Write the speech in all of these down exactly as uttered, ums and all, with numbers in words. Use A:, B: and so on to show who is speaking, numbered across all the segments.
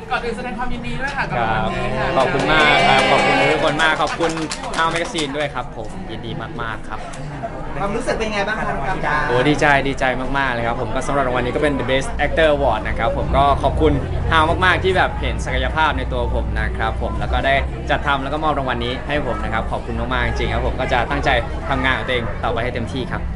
A: ก่อนอื่นแสดงความยินดีด้วยค่ะกับ
B: ค
A: ราง
B: รั
A: วั
B: บ
A: ลนี้ค่ะ
B: ขอบคุณมากครับขอบคุณทุกคนมากขอบคุณทางแมกกาซีนด้วยครับผมยินดีมากๆครับ
C: ความรู้สึกเป็นไงบ้างครับกับดา
B: โอ้ดีใจดีใจมากๆเลยครับผมก็สำหรับรางวัลนี้ก็เป็น The Best Actor Award นะครับผมก็ขอบคุณฮาวมากๆที่แบบเห็นศักยภาพในตัวผมนะครับผมแล้วก็ได้จัดทำแล้วก็มอบรางวัลนี้ให้ผมนะครับขอบคุณมากๆจริงๆครับผมก็จะตั้งใจทำงานของตัวเองต่อไปให้เต็มที่ครับ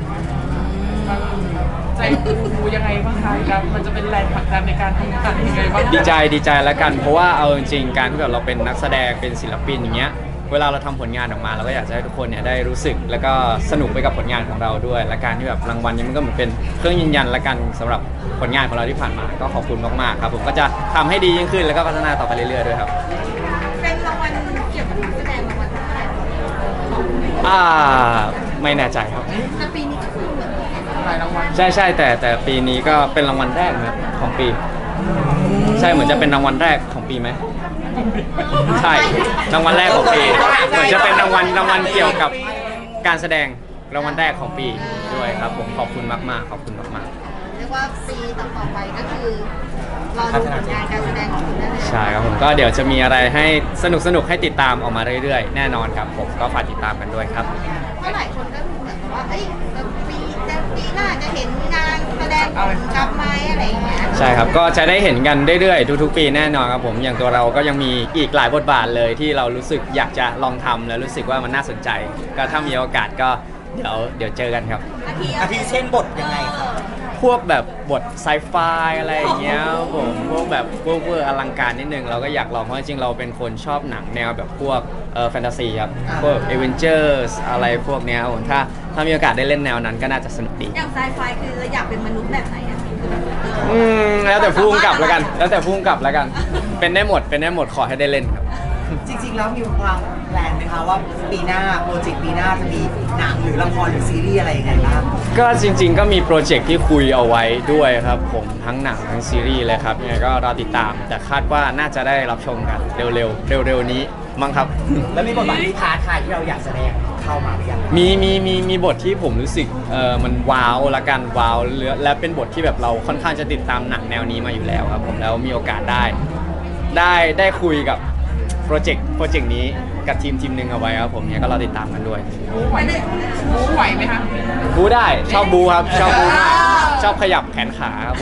A: ใจฟูยังไงบ้างคะครับมันจะเป็นแรงผลักดันในการทำงานยังไงบ้าง
B: ดีใจดีใจแล้วกันเพราะว่าเอาจริงๆการที่แบบเราเป็นนักแสดงเป็นศิลปินอย่างเงี้ยเวลาเราทำผลงานออกมาเราก็อยากจะให้ทุกคนเนี่ยได้รู้สึกแล้วก็สนุกไปกับผลงานของเราด้วยและการที่แบบรางวัลนี้มันก็เหมือนเป็นเครื่องยืนยันละกันสำหรับผลงานของเราที่ผ่านมาก็ขอบคุณมากๆครับผมก็จะทำให้ดียิ่งขึ้นแล้วก็พัฒนาต่อไปเรื่อยๆด้วยครับ
D: เป็นรางวัลเกี่ยวกับนักแสดงรางวัลอะไร
B: อ่าไม่แน่ใจครับ
D: แต่ปีนี้ก็คือเหมือน
A: หลายรางวัล
B: ใช่ใช่แต่แต่ปีนี้ก็เป็นรางวัลแรกนะของปี ใช่เหมือนจะเป็นรางวัลแรกของปีไหมใช่รางวัลแรกของปีเหมือนจะเป็นรางวัลรางวัลเกี่ยวกับการแสดงรางวัลแรกของปีด้วยครับผมขอบคุณมากๆขอบคุณมาก
D: เรียกว่าปีต่อๆไปก็คือรอดูผลงานการแสดงของคุณได้เลย
B: ๆใช่ครับผมก็เดี๋ยวจะมีอะไรให้สนุกสนุกๆให้ติดตามออกมาเรื่อยๆแน่นอนครับผมก็ฝากติดตามกันด้วยครับ
D: เพราะหลายคนก็เหมือนกับว่าเอ้ยปีจะปีหน้าจะเห็นงานแสดงของกลับไหมอะไรอย่างเงี้ย
B: ใช่ครับ ก็จะได้เห็นกันเรื่อยๆทุกๆปีแน่นอนครับผมอย่างตัวเราก็ยังมีอีกหลายบทบาทเลยที่เรารู้สึกอยากจะลองทำแล้วรู้สึกว่ามันน่าสนใจ ก็ถ้ามีโอกาสก็เดี๋ยวเดี๋ยวเจอกันครับ
D: อาทิ
C: อาทิเช่นบทยังไงครับ
B: พวกแบบบทไซไฟอะไรอย่างเงี้ยครับผมพวกแบบเวอร์เวอร์อลังการนิดนึงเราก็อยากลองเพราะจริงๆเราเป็นคนชอบหนังแนวแบบพวกเอ่อแฟนตาซีครับพวกเอเวนเจอร์สอะไรพวกเนี้ยครับผมถ้าถ้ามีโอกาสได้เล่นแนวนั้นก็น่าจะสนุกดี
D: อย่างไซไฟคือเราอยากเป็นมนุษย์แบบไหนอะคือแบบเออ
B: อืมแล้วแต่พุ่งกลับแล้วกัน แล้วแต่พุ่งกลับแล้วกัน เป็นได้หมดเป็นได้หมดขอให้ได้เล่นครับ
C: จริงๆแล้วมีวางแผนไหมคะว่าปีหน้าโปรเจกต์ปีหน้าจะมีหนังหรือละครหรือซีรีส์อะไรยังไงบ้าง
B: ก็จริงๆก็มีโปรเจกต์ที่คุยเอาไว้ด้วยครับผมทั้งหนังทั้งซีรีส์เลยครับยังไงก็รอติดตาม แต่คาดว่าน่าจะได้รับชมกันเร็วๆเร็วๆนี้มั้งครับ
C: แล้วมีบทบาทที่ท้าทายที่เราอยากแสดงเข้ามาหรือยัง
B: มีมีมีมีบทที่ผมรู้สึกเออมันว้าวละกันว้าวและเป็นบทที่แบบเราค่อนข้างจะติดตามหนังแนวนี้มาอยู่แล้วครับผมแล้วมีโอกาสได้ ได้ได้คุยกับโปรเจกต์โปรเจกต์นี้กับทีมทีมหนึ่งเอาไว้ครับผมเนี่ยก็รอติดตามกันด้วย
A: บู๊ไหวบู๊ไหวไหมคะ
B: บูได้ชอบบูครับชอบบูมากชอบขยับแขนขาครับผม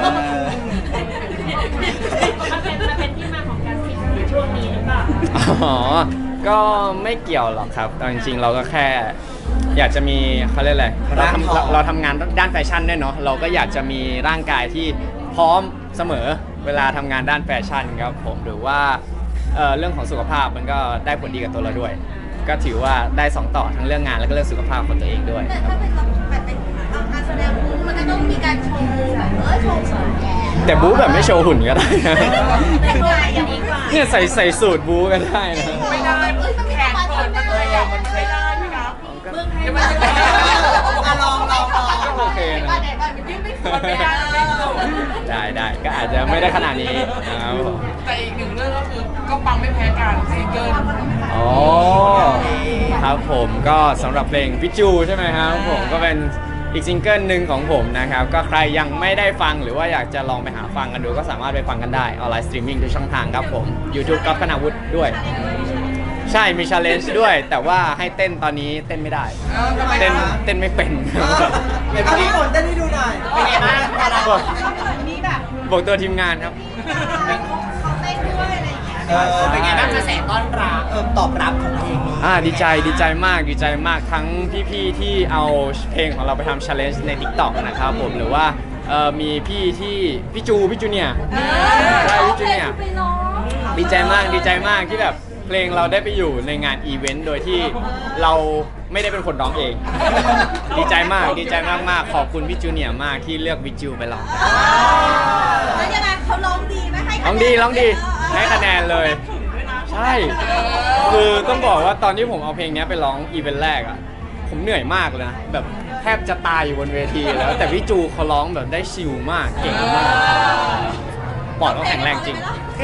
E: มันเป็นมันเป็นที่มาของการพิมพ์ในช่วงนี้หรือเปล่า
B: อ๋อ ก็ไม่เกี่ยวหรอกครับแต่จริงๆ เราก็แค่อยากจะมีเขาเรียกอะไรเราทำเราเราทำงานด้านแฟชั่นด้วยเนาะเราก็อยากจะมีร่างกายที่พร้อมเสมอเวลาทำงานด้านแฟชั่นครับผมหรือว่าเอ่อเรื่องของสุขภาพมันก็ได้ผลดีกับตัวเราด้วย ก็ถือว่าได้สองต่อทั้งเรื่องงานแล้วก็เรื่องสุขภาพของตัวเองด้วย
D: แต่
B: ครับ
D: ถ้าเป็นแบบเป็นการแสดงบู๊มันก็ต้องมีการโชว์แบบเออโชว์ของแก
B: แต่บู๊แบบไม่โชว์หุ่นก็ได้นะ
D: แต่งกายอย่างนี้กว่า
B: เนี่ยใส่ใส่สูตรบู๊ก็ได้นะ
A: ไม่ได้แขนเปิดมันขยับมันไม่ได้ไหมครับ
D: เมืองไทย
A: เดี๋ยว
D: มั
A: มัน
D: น
A: จะ
D: จะ
A: ลองลองลอง
B: โอเคนะ
D: ไหนบ้านมันยื่นไม่สุด
A: มันไม่ได้ไม่สุด
B: ได้ได้ก็อาจจะไม่ได้ขนาดนี้นะครับผม
A: แต่อีกหนึ่งเรื่องก็คือก็ปังไม่แพ้กันซิงเกิล
B: อ๋อครับผมก็สำหรับเพลงพิจูใช่ไหมครับผมก็เป็นอีกซิงเกิลหนึ่งของผมนะครับก็ใครยังไม่ได้ฟังหรือว่าอยากจะลองไปหาฟังกันดูก็สามารถไปฟังกันได้ออนไลน์สตรีมมิ่งทุกช่องทางครับผม YouTube ก๊อฟคณาวุฒิด้วย ใช่มี challenge ด้วย แต่ว่าให้เต้นตอนนี้เต้นไม่ได้ เต้นเต้นไม่เป็น
C: เดี๋ยวพี่ฝนเต้นให้ดูหน่อย เป็นไงบ้างพอเรา
B: บอก
D: มีแบบ
B: บอกตัวทีมงานครับ
D: เขาเต้นด้วยอะไรอย่างเงี้ย
C: เออเป็นไงบ้างกระแสต้อนรับเออตอบรับของเพลงนี้
B: อ่าดีใจดีใจมากดีใจมากทั้งพี่ๆที่เอาเพลงของเราไปทำ challenge ใน TikTok นะครับผมหรือว่าเอ่อมีพี่ที่พี่จูพี่จูเนี่ยใช่พี่จูเนี่ยดีใจมากดีใจมากที่แบบเพลงเราได้ไปอยู่ในงานอีเวนต์โดยที่เราไม่ได้เป็นคนร้องเอง ดีใจมากดีใจมากมากๆขอบคุณพี่จูเนี่ยมากที่เลือกวิจูไปร้อง
D: แล้วยังไงเขาร้องดีไหมให้
B: ร้องดีร้องดีให้คะแนนเลย ใช่ คือต้องบอกว่าตอนที่ผมเอาเพลงนี้ไปร้องอีเวนต์แรกอ่ะผมเหนื่อยมากเลยนะแบบแทบจะตายอยู่บนเวทีแล้วแต่พี่จูเขาร้องแบบได้ชิลมากเก่งมากปอดเขาแข็งแรงจริง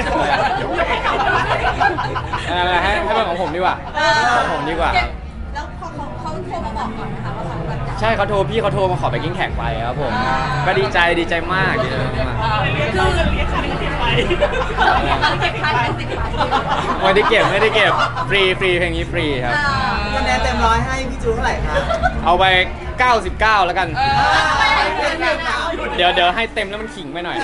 B: อะไรให้ให้เป็นของผมดีกว่าของผมดีกว่า
D: แล้วพอเขาเขาโทรมาบอกก่อนนะคะว่าเขาแบบจะ
B: ใช่เขาโทรพี่เขาโทรมาขอไปกิ้งแขกไปครับผมก็ดีใจดีใจมากดีใจมาก
A: คือเรียกใครก็เรียกไป
D: เก็บพันเป็นสิบพัน
B: ไม่ได้เก็บไม่ได้เก็บฟรีฟรีเพลงนี้ฟรีครับ
C: คะแนนเต็มร้อยให้พี่จูเท่าไหร่คะ
B: เอาไปเก้าสิบเก้าแล้วกัน
C: เต็มแล้ว
B: เดี๋ยวเดี๋ยวให้เต็มแล้วมันขิงไปหน่อย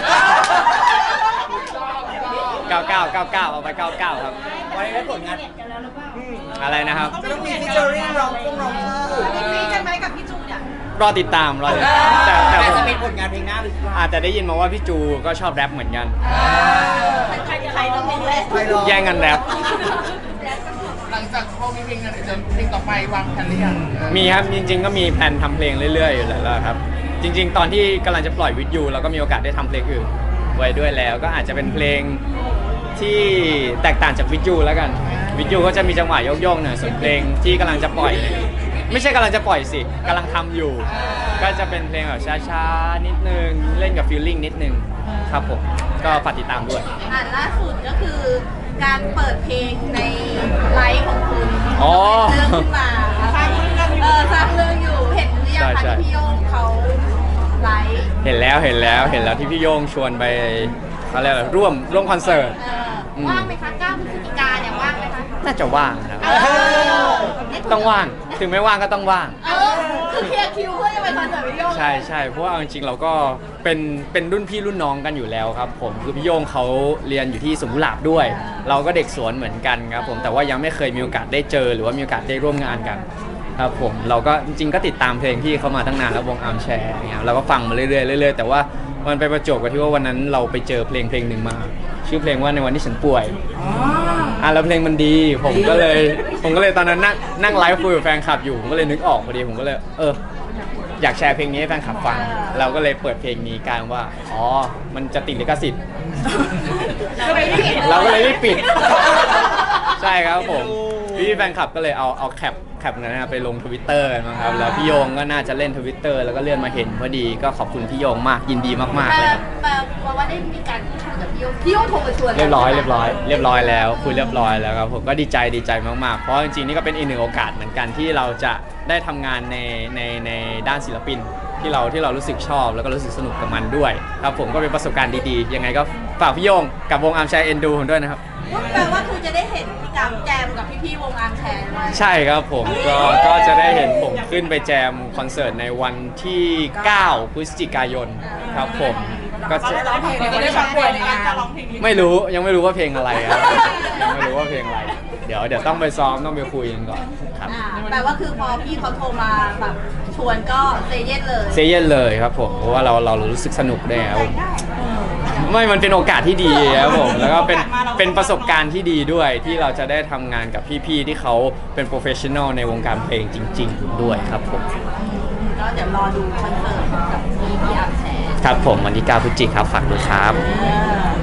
B: เก้าเก้าเก้าเก้าเอาไปเก้าเก้าครับ
C: วันนี้ได้ผลงาน
B: อะไรนะครับ
C: จะต้องมีฟิชเจอริ่งร้องกุ้งร้องคู่
D: มีฟรีกันไหมกับพี่จูเนี่ย
B: รอติดตามรอติดตามแต่แต่
C: แต่
B: ผม
C: จะเป็นผลงานเพลงหน้าหรือเปล่า
B: อาจจะได้ยินมาว่าพี่จูก็ชอบแรปเหมือนกัน
D: ใครใครต้องเป็นแรก
C: ใครร้อง
B: แย่งกันแรป
A: หลังจากพอมีเพลงนั้นจะเพลงต่อไปวางแผนหรือยัง
B: มีครับจริงๆก็มีแผนทำเพลงเรื่อยๆอยู่แล้วครับจริง ๆ ตอนที่กำลังจะปล่อยวิดยูเราก็มีโอกาสได้ทำเพลงอื่นไว้ด้วยแล้ว ก็อาจจะเป็นเพลงที่แตกต่างจากวิดยูแล้วกันวิดยูก็จะมีจังหวะโยกๆหน่อยส่วนเพลงที่กำลังจะปล่อย ไม่ใช่กำลังจะปล่อยสิกำลังทำอยู่ ก็จะเป็นเพลงแบบช้าๆนิดนึงเล่นกับฟีลลิ่งนิดนึงครับผมก็ฝากติดตามด้วย
D: อ่าล่าสุดก็คือการเปิดเพลงในไลฟ์ของคุณ
B: อ๋อ
D: เรื่องขึ้นมาสร้างเรื่องเออสร้างเรื่องอยู่เห็นหรือยัง
B: ใช่
D: คะ
B: ใช่
D: ที่พี่โยงเขาไลฟ์
B: เห็นแล้วเห็นแล้วเห็นแล้วที่พี่โย่งชวนไปเขาเรียกอะไรร่วมร่วมคอนเสิร์ต
D: เออ
B: อืม
D: ว่างไหมคะเก้าพฤศจิกาเนี่ยว่างไหมคะ
B: น่าจะว่างนะครับ
D: เออ
B: ต้องว่างถึงไม่ว่างก็ต้องว่าง
D: เออคือเคลียร์คิวเพื่อจะไปคอนเสิร์ตพี่โยง
B: ใช่ใช่เพราะว่าเอาจริงๆเราก็เป็นเป็นรุ่นพี่รุ่นน้องกันอยู่แล้วครับผมคือพี่โย่งเขาเรียนอยู่ที่สวนกุหลาบด้วย เราก็เด็กสวนเหมือนกันครับผมแต่ว่ายังไม่เคยมีโอกาสได้เจอหรือว่ามีโอกาสได้ร่วมงานกันครับผมเราก็จริงๆก็ติดตามเพลงพี่เขามาตั้งนานแล้ววงอาร์มแชร์เนี่ยเราก็ฟังมาเรื่อยๆเรื่อยๆแต่ว่ามันไปประจวบกับที่ว่าวันนั้นเราไปเจอเพลงเพลงหนึ่งมา ชื่อเพลงว่าในวันที่ฉันป่วยอ่ะแล้วเพลงมันดีผมก็เลยผมก็เลยตอนนั้นนั่งนั่งไลฟ์คุยกับแฟนคลับอยู่ผมก็เลยนึกออกพอดีผมก็เลยเอออยากแชร์เพลงนี้ให้แฟนคลับฟังเราก็เลยเปิดเพลงนี้กลางว่าอ๋อมันจะติดลิขสิทธิ์
D: เราไม่ได้เห็น
B: เราก็เลยรีบปิด ใช่ครับผมพี่แฟนคลับก็เลยเอาเอาแคปแคปนั้นนะไปลงทวิตเตอร์กันมั้งครับแล้วพี่โยงก็น่าจะเล่นทวิตเตอร์แล้วก็เลื่อนมาเห็นพอดีก็ขอบคุณพี่โยงมากยินดีมากๆ
D: แต่
B: เลยครับ
D: แต่ว่าได้มีการพูดคุยกับพี่โยงพี่โยงโทรมาชวน
B: เรียบร้อยเรียบร้อยเรียบร้อยแล้วคุยเรียบร้อยแล้วครับผมก็ดีใจดีใจมากๆเพราะจริงๆนี่ก็เป็นอีกหนึ่งโอกาสเหมือนกันที่เราจะได้ทำงานในในในด้านศิลปินที่เราที่เรารู้สึกชอบแล้วก็รู้สึกสนุกกับมันด้วยครับผมก็เป็นประสบการณ์ดีๆยังไงก็ฝากพี่โยงกับวงอาร์มแชร์เอ็นดูผมด้วยนะครับ
D: แปลว่าคือจะได้เห็นพี่กำแจมกับพี่ๆวงอาร์มแชร์ด้วย
B: ใช่ครับผมก็ก็จะได้เห็นผมขึ้นไปแจมคอนเสิร์ตในวันที่ เก้า พฤศจิกายนครับผมก็จะ
A: เราจะได้ฟังเพลงในงาน
B: ไม่รู้ยังไม่รู้ว่าเพลงอะไรครับยังไม่รู้ว่าเพลงอะไรเดี๋ยวเดี๋ยวต้องไปซ้อมต้องไปคุยกันก่อนครับ
D: อ่าแปลว่าคือพอพี่เขาโทรมาแบบชวนก็เซเยสเลย
B: เซเยนเลยครับผมเพราะว่าเราเรารู้สึกสนุกด้วยครับไม่มันเป็นโอกาสที่ดีครับผมแล้วก็เป็นเป็นประสบการณ์ที่ดีด้วยที่เราจะได้ทำงานกับพี่ๆที่เขาเป็นโปรเฟชชั่นอลในวงการเพลงจริง ๆ ด้วยครับผม
D: ก็เดี๋ยวรอดูคอนเสิร์ตกับพี่พี่อาร์มแชร์
B: ครับผมวันที่เก้าพฤศจิกายนครับฝากด้วยครับ
D: เออ